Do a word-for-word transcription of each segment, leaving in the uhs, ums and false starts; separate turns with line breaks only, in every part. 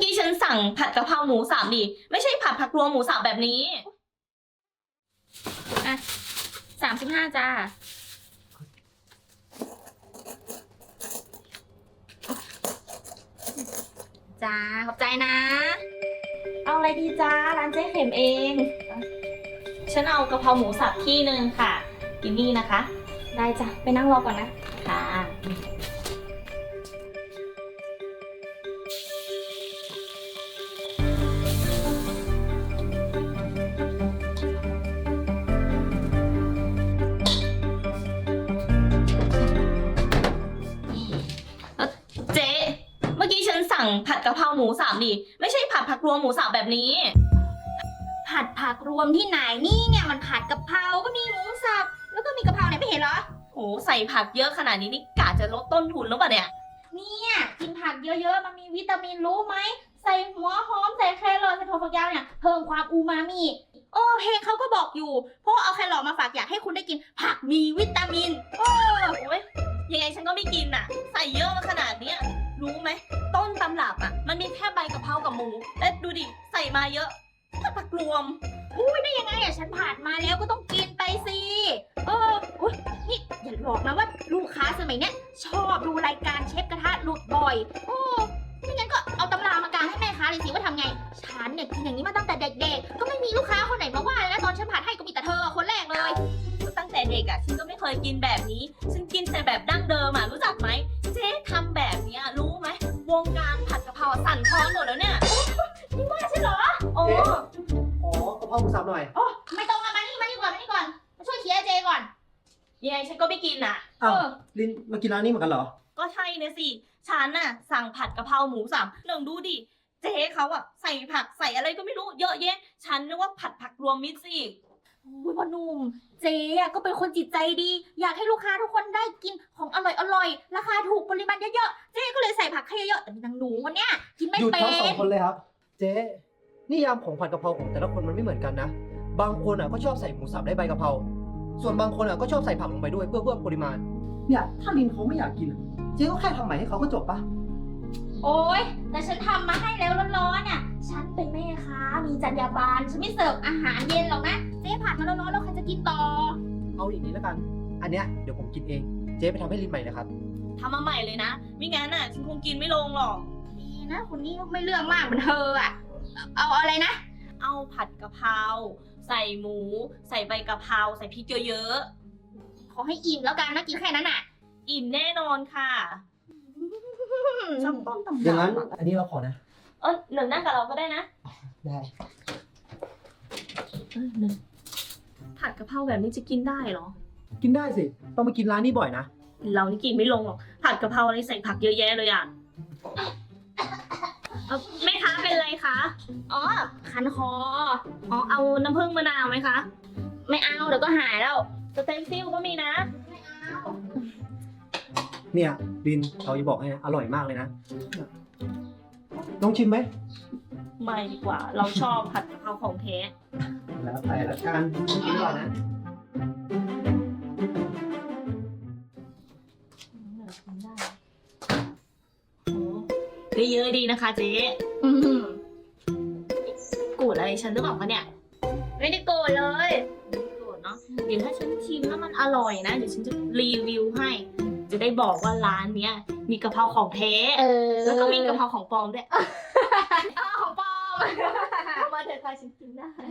กี้ฉันสั่งผัดกะเพราหมูสับดิไม่ใช่ผัดผักรวมหมูสับแบบนี้
อ่ะสามสิบห้าจ้าจ้าขอบใจนะ
เอาอะไรดีจ้าร้านเจ๊เข็มเองฉันเอากะเพราหมูสับที่หนึ่งค่ะกินนี่นะคะ
ได้จ้ะไปนั่งรอก่อนนะ
ค่ะเจ๊เมื่อกี้ฉันสั่งผัดกะเพราหมูสับดิไม่ใช่ผัดผักรวมหมูสับแบบนี้
ผัดผักรวมที่ไหนนี่เนี่ยมันผัดกะเพราก็มีหมูสับแล้วก็มีกะเพราเนี่ยไม่เห็นเหรอ
โหใส่ผักเยอะขนาดนี้นี่กะจะลดต้นทุนหรือเปล่าเนี่ย
เนี่ยกินผักเยอะๆมันมีวิตามินรู้ไหมใส่หัวหอมใส่แครอทใส่ถั่วฝักยาวเนี่ยเพิ่มความอูมามิโอ้เพลงเขาก็บอกอยู่เพราะเอาแครอทมาฝากอยากให้คุณได้กินผักมีวิตามินโอ้
ยยังไงฉันก็ไม่กินอ่ะใส่เยอะมาขนาดเนี้ยรู้ไหมต้นตำรับอ่ะมันมีแค่ใบกะเพรากับหมูและดูดิใส่มาเยอะผัดผักรวม
อุ้ยได้ยังไงอ่ะฉันผ่านมาแล้วก็ต้องกินไปสิเอออุ้ยนี่อย่าบอกนะว่าลูกค้าสมัยเนี้ยชอบดูรายการเชฟกระทะหลุดบ่อยโอ้ไม่งั้นก็เอาตำรามากางให้แม่ค้าเลยสิว่าทำไงฉันเนี่ยกินอย่างนี้มาตั้งแต่เด็กๆก็ไม่มีลูกค้าคนไหนมาว่าแล้วตอนฉันผัดให้ก็มีแต่เธอคนแรกเลย
ตั้งแต่เด็กอ่ะฉันก็ไม่เคยกินแบบนี้ฉันกินแต่แบบดั้งเดิมอ่ะรู้จักไหมเจ๊ทำแบบนี้รู้ไหมวงการผัดกะเพราสั่นคลอนหมดแล้วเนี่ย
นี่ว่าใช่เหรอ
โอ้
ขอกะเพราหมูสับหน่อย
โอ้ไม่ต้องมานี่มานี่ก่อนมานี่ก่อนมาช่วยเคลียร์เจก่อน
ยังไงฉันก็ไม่กินอ่ะ
อ้าวลินมากินร้านนี้เหมือนกันเหรอ
ก็ใช่นะสิฉันน่ะสั่งผัดกะเพราหมูสับลองดูดิเจ๊เขาอ่ะใส่ผักใส่อะไรก็ไม่รู้เยอะแยะฉันนึกว่าผัดผักรวมมิตรสิ
อุ้ยพ่อหนุ่มเจ๊อะก็เป็นคนจิตใจดีอยากให้ลูกค้าทุกคนได้กินของอร่อยอร่อยราคาถูกปริมาณเยอะๆเจ๊ก็เลยใส่ผักให้เยอะๆแต่มีนางหนูคนเนี้ยกินไม่เป็น
หยุดทั้งสองคนเลยครับเจ๊นิยามของผัดกะเพราของแต่ละคนมันไม่เหมือนกันนะบางคนอ่ะก็ชอบใส่หมูสับได้ใบกะเพราส่วนบางคนอ่ะก็ชอบใส่ผักลงไปด้วยเพื่อเพิ่มปริมาณเนี่ยถ้าลินเขาไม่อยากกินเจ๊ก็แค่ทำใหม่ให้เขาก็จบปะ
โอ๊ยแต่ฉันทำมาให้แล้วร้อนๆน่ะฉันเป็นแม่ค้ามีจรรยาบรรณฉันไม่เสิร์ฟอาหารเย็นหรอกนะเจ๊ผัดมาร้อนๆแล้วใครจะกินต่อ
เอาอย่างนี้แล้วกันอันเนี้ยเดี๋ยวผมกินเองเจ๊ไปทำให้ลินใหม่นะครับ
ทำมาใหม่เลยนะไม่งั้นน่ะฉันคงกินไม่ลงหรอก
ดีนะคนนี้ไม่เรื่องมากเหมือนเธออะเอาอะไรนะ
เอาผัดกะเพราใส่หมูใส่ใบกะเพราใส่พริกเยอะ
ๆขอให้อิ่มแล้วกันนะกินแค่นั้นน่ะ
อิ่มแน่นอนค่ะ
ชอบต้นตำรับอย่างนั้นอันนี้เราขอนะ
เออหนึ่งนั่งกับเราก็ได้นะ
ได้
เออหนึ่งผัดกะเพราแบบนี้จะกินได้เหรอ
กินได้สิต้องมากินร้านนี้บ่อยนะ
เรานี่กินไม่ลงหรอกผัดกะเพราอะไรใส่ผักเยอะแยะเลยอ่ะเออแม่ค้าเป็นไรคะ
อ๋อคันคอ
อ๋อเอาน้ำผึ้งมะนาวไหมคะ
ไม่เอาเดี๋ยวก็หายแล้ว
สเต็มซิลก็มีนะ
ไม่เอา
เนี่ยลินเขาจะบอกให้อร่อยมากเลยนะลองชิมไหม
ไม่ดีกว่าเราชอบผัดกะเพราของแท้
แล้วไปละกันกินก่อนนะ
ได้เยอะดีนะคะเจ๊โกรธอะไรฉันหรือเปล่าคะเนี่ย
ไม่ได้โกรธเลย
ไม่โกรธเนาะเดี๋ยวถ้าฉันชิมแล้วมันอร่อยนะเดี๋ยวฉันจะรีวิวให้จะได้บอกว่าร้านเนี้ยมีกะเพราของแท้แล้วก็มีกะเพราของปลอมด้วย
อ๋อของปลอม
มาเถอะค่ะฉันกินได้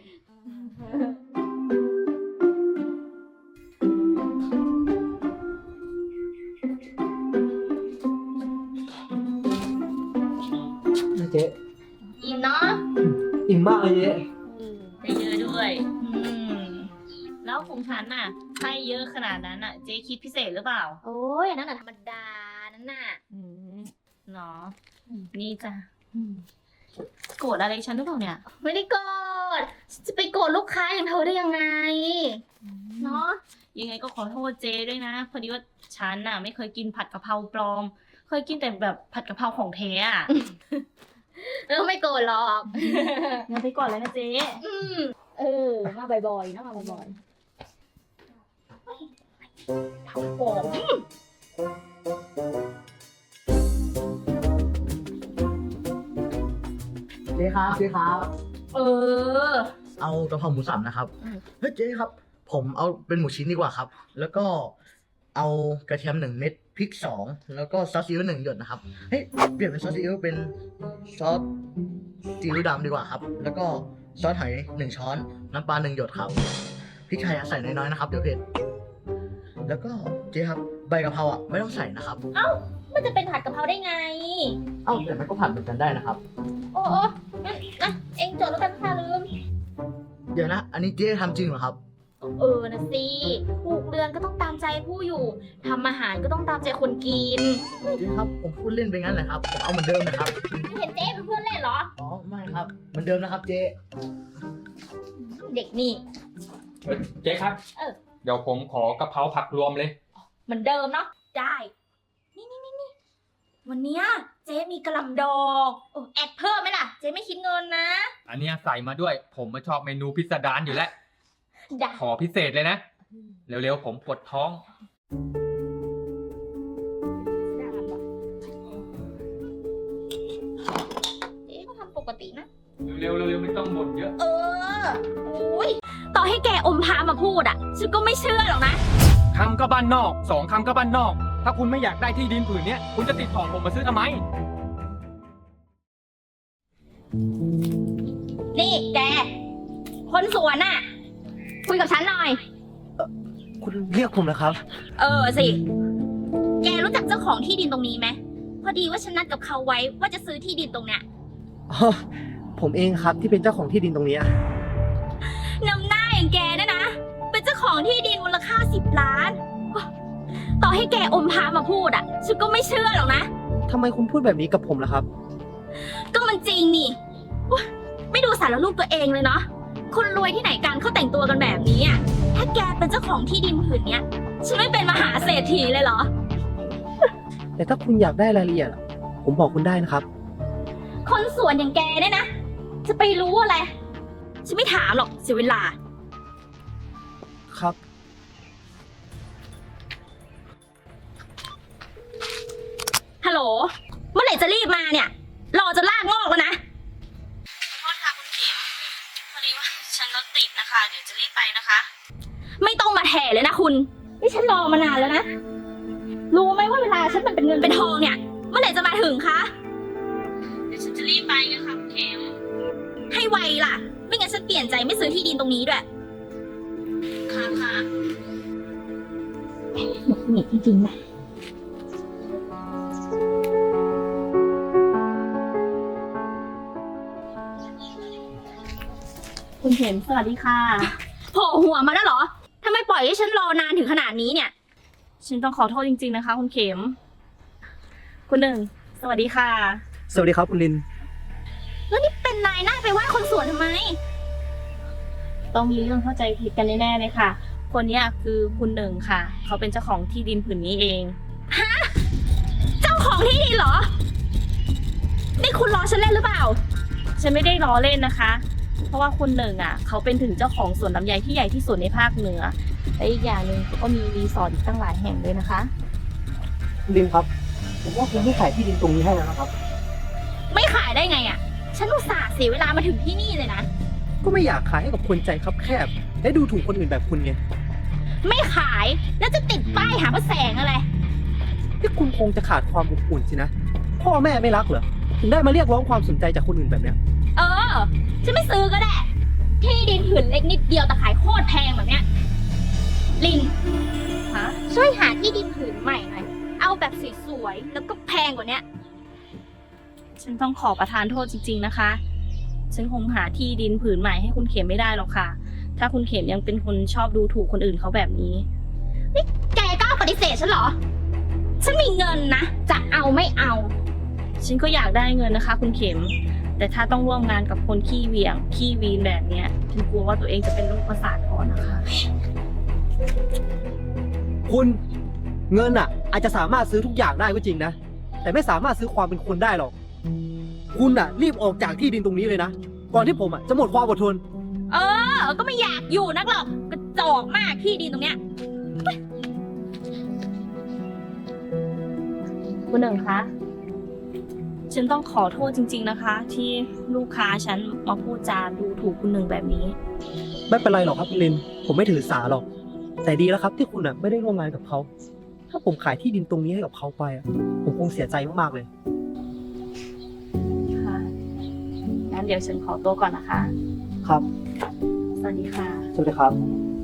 เจ๊
อิ่มเนาะ
อิ่มมากเลยเจ๊
ได้เยอะด้วยแล้วของฉันน่ะให้เยอะขนาดนั้นน่ะเจ๊คิดพิเศษหรือเปล่า
โอ้ยนั่นน่ะธรรมดานั่นน่ะ
เนาะนี่จ้ะโกรธอะไรฉันหรือเปล่าเนี่ย
ไม่ได้โกรธจะไปโกรธลูกค้าอย่างเธอได้ยังไงเนาะ
ยังไงก็ขอโทษเจ๊ด้วยนะพอดีว่าฉันน่ะไม่เคยกินผัดกะเพราปลอมเคยกินแต่แบบผัดกะเพราของแท้อะ
เออไม่โกรธหรอก
งั้นไปก่อนเลยนะเจ๊
เออมาบ่อยๆนะมาบ่อยๆทำผม
จ๊ครับเจ๊ครับ
เออ
เอากะเพราหมูสับนะครับ
อืม
เฮ้ยเจ๊ครับ ผมเอาเป็นหมูชิ้นดีกว่าครับ แล้วก็เอากระเทียมหนึ่งเม็ดพริกสองแล้วก็ซอสซีอิ๊วหนึ่งหยดนะครับเฮ้ยเปลี่ยนเป็นซอสซีอิ๊วเป็นซอสซีอิ๊วดำดีกว่าครับ แล้วก็ซอสหอยหนึ่งช้อนน้ำปลาหนึ่งหยดครับพริกไทยอะใส่น้อยๆนะครับเดี๋ยวเผ็ดแล้วก็เจ๊ครับใบกะเพราอ่ะไม่ต้องใส่นะครับ
มันจะเป็นผัดกะเพราได้ไง
เอ้าแต่มันก็ผัดเหมือนกันได้นะครับ
โอ้โอ้งั้นนะเองจดแล้วกันค่ะลืม
เดี๋ยวนะ อันนี้เจ๊ทำจริงเหรอครับ
เออนะสิผูกเรือนก็ต้องตามใจผู้อยู่ทำอาหารก็ต้องตามใจคนกิน
เจ๊ครับผมพูดเล่นไปงั้นแหละครับผมเอาเหมือนเดิมนะครับ
ไม่เห็นเจ๊เป็นเพื่อนเล่นเหรอ
อ๋อไม่ครับเหมือนเดิมนะครับเจ๊
เด็กนี่
เอ้ยเจ๊ครับ
เออ
เดี๋ยวผมขอกะเพราผักรวมเลย
เหมือนเดิมเนาะ ได้ นี่นี่นี่นี่วันเนี้ยเจ๊มีกระหลำดอกโอ้แอดเพิ่มไหมล่ะ เจ๊ไม่คิดเงินนะ
อันเนี้ยใส่มาด้วย ผมมาชอบเมนูพิสดารอยู่แล้ว
ได้
ขอพิเศษเลยนะ เร็วๆผมปวดท้อง
ได้ปะเจ๊ก็ทำปกตินะ
เร็วๆเร็วๆไม่ต้องบ่นเยอะ
เออโอ้ยต่อให้แกอมพามาพูดอ่ะ ฉันก็ไม่เชื่อหรอกนะ
คำก็บ้านนอก สองคำก็บ้านนอก ถ้าคุณไม่อยากได้ที่ดินผืนเนี้ย คุณจะติดต่อผมมาซื้อทำไม
นี่แก คนสวนน่ะ คุยกับฉันหน่อย
คุณเรียกผมนะครับ
เออสิ แกรู้จักเจ้าของที่ดินตรงนี้ไหม พอดีว่าฉันนัดกับเขาไว้ว่าจะซื้อที่ดินตรงเนี้ย
อ๋อ ผมเองครับที่เป็นเจ้าของที่ดินตรงนี้
นำหน้าอย่างแกเนี่ยนะ เป็นเจ้าของที่ดินมูลค่าสิบล้าน ต่อให้แกอมพามาพูดอ่ะ ฉันก็ไม่เชื่อหรอกนะ
ทำไมคุณพูดแบบนี้กับผมล่ะครับ
ก็มันจริงนี่อุ๊ยไม่ดูสารรูปตัวเองเลยเนาะ คนรวยที่ไหนกันเขาแต่งตัวกันแบบนี้อ่ะ ถ้าแกเป็นเจ้าของที่ดินผืนเนี้ย ฉันไม่เป็นมหาเศรษฐีเลยเหรอ
แต่ถ้าคุณอยากได้รายละเอียดอะผมบอกคุณได้นะครับ
คนสวนอย่างแกเนี่ยนะ จะไปรู้อะไร ฉันไม่ถามหรอกเสียเวลา
ครับ
ฮัลโหล เมื่อไหร่จะรีบมาเนี่ย รอจะลากงอกแล้วนะ
โทษค่ะคุณเข็มพอดีว่าฉันรถติดนะคะ เดี๋ยวจะรีบไปนะคะ
ไม่ต้องมาแถเลยนะคุณ นี่ฉันรอมานานแล้วนะ รู้ไหมว่าเวลาฉันมันเป็นเงินเป็นทองเนี่ย เมื่อไหร่จะมาถึงคะ
เดี๋ยวฉันจะรีบไปนะคะคุณเข็ม
ให้ไวล่ะ ไม่งั้นฉันเปลี่ยนใจไม่ซื้อที่ดินตรงนี้ด้วย
ค่ะค่ะ
หงุดหงิดจริงๆนะ
คุณเข็มสวัสดีค่ะ
โผล่หัวมาแล้วเหรอทำไมปล่อยให้ฉันรอนานถึงขนาดนี้เนี่ย
ฉันต้องขอโทษจริงๆนะคะ คุณเข็ม คุณหนึ่ง สวัสดีค่ะ
สวัสดีครับคุณลิน
แล้วนี่เป็นนายหน้าไปว่าคนสวนทำไม
ต้องมีเรื่องเข้าใจผิดกันแน่ๆเลยค่ะ คนเนี้ยคือคุณหนึ่งค่ะ เขาเป็นเจ้าของที่ดินผืนนี้เอง
เจ้าของที่ดินเหรอ นี่คุณรอฉันเล่นหรือเปล่า
ฉันไม่ได้ล้อเล่นนะคะ เพราะว่าคุณหนึ่งอ่ะ เขาเป็นถึงเจ้าของสวนลำไยที่ใหญ่ที่สุดในภาคเหนือ และอีกอย่างหนึ่งเขาก็มีรีสอร์ทอีกตั้งหลายแห่งเลยนะคะ
คุณลินครับ ผมว่าคุณไม่ขายที่ดินตรงนี้ให้แล้วนะครับ
ไม่ขายได้ไงอ่ะ ฉันอุตส่าห์เสียเวลามาถึงที่นี่เลยนะ
ก็ไม่อยากขายให้กับคนใจคับแคบ และดูถูกคนอื่นแบบคุณไง
ไม่ขายแล้วจะติดป้ายหาพระแสงอะไร
ที่คุณคงจะขาดความอบอุ่นสินะ พ่อแม่ไม่รักเหรอ ถึงได้มาเรียกร้องความสนใจจากคนอื่นแบบเนี้ย
เออ ฉันไม่ซื้อก็ได้ ที่ดินผืนเล็กนิดเดียวแต่ขายโคตรแพงแบบเนี้ย ลิน
ฮะ
ช่วยหาที่ดินผืนใหม่หน่อย เอาแบบสวยๆแล้วก็แพงกว่าเนี้ย
ฉันต้องขอประทานโทษจริงๆนะคะ ฉันคงหาที่ดินผืนใหม่ให้คุณเข็มไม่ได้หรอกค่ะ ถ้าคุณเข็มยังเป็นคนชอบดูถูกคนอื่นเขาแบบนี้
แกกล้าปฏิเสธฉันเหรอ ฉันมีเงินนะ จะเอาไม่เอา
ฉันก็อยากได้เงินนะคะ คุณเข็ม แต่ถ้าต้องร่วมงานกับคนขี้เหวี่ยง ขี้วีนแบบเนี้ย ฉันกลัวว่าตัวเองจะเป็นโรคประสาทก่อนนะคะ
คุณเงินอ่ะ อาจจะสามารถซื้อทุกอย่างได้ก็จริงนะ แต่ไม่สามารถซื้อความเป็นคนได้หรอก คุณอ่ะ รีบออกจากที่ดินตรงนี้เลยนะ ก่อนที่ผมอ่ะจะหมดความอดทน
เออ ก็ไม่อยากอยู่นักหรอก กระจอกมากที่ดินตรงเนี้ย
คุณหนึ่งคะฉันต้องขอโทษจริง ๆนะคะ ที่ลูกค้าฉันมาพูดจาดูถูกคุณหนึ่งแบบนี้
ไม่เป็นไรหรอกครับคุณลิน ผมไม่ถือสาหรอก แต่ดีแล้วครับที่คุณอ่ะไม่ได้ร่วมงานกับเขา ถ้าผมขายที่ดินตรงนี้ให้กับเขาไปอ่ะ ผมคงเสียใจมากๆเลย
ค่ะ งั้นเดี๋ยวฉันขอตัวก่อนนะคะ
ครับ
สวัสดีค่ะ
สวัสดีครับ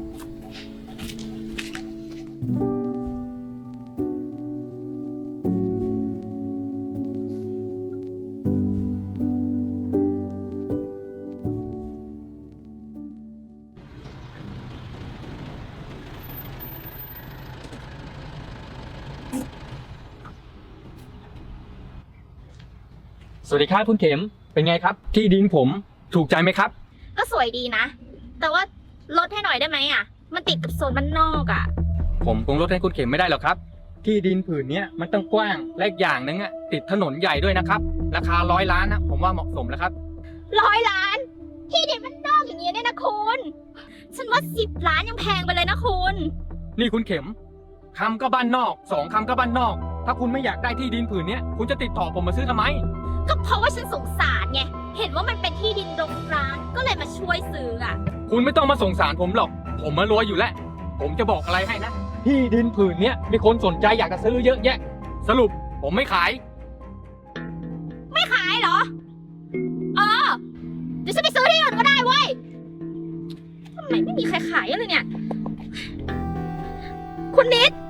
สวัสดีครับคุณเข็ม เป็นไงครับ ที่ดินผมถูกใจไหมครับ
ก็สวยดีนะ แต่ว่าลดให้หน่อยได้ไหมอ่ะ มันติดกับโซนบ้านนอกอ่ะ
ผมคงลดให้คุณเข็มไม่ได้หรอกครับ ที่ดินผืนเนี้ยมันต้องกว้างและอีกอย่างหนึงอ่ะติดถนนใหญ่ด้วยนะครับ ราคาร้อยล้านนะผมว่าเหมาะสมแล้วครับ
ร้อยล้าน ที่ดินบ้านนอกอย่างเงี้ยเนี่ยนะคุณ ฉันว่าสิบล้านยังแพงไปเลยนะคุณ
นี่คุณเข็มคำก็บ้านนอกสองคำก็บ้านนอก ถ้าคุณไม่อยากได้ที่ดินผืนเนี้ยคุณจะติดต่อผมมาซื้อทำไม
ก็เพราะว่าฉันสงสารไง เห็นว่ามันเป็นที่ดินรกร้าง ก็เลยมาช่วยซื้ออ่ะ
คุณไม่ต้องมาสงสารผมหรอก ผมมารวยอยู่แล้ว ผมจะบอกอะไรให้นะ ที่ดินผืนเนี้ยมีคนสนใจอยากจะซื้อเยอะแยะ สรุปผมไม่ขาย
ไม่ขายเหรอ เออ เดี๋ยวฉันไปซื้อที่อื่นก็ได้เว้ยทำไมไม่มีใครขายเลยเนี่ย คุณนิด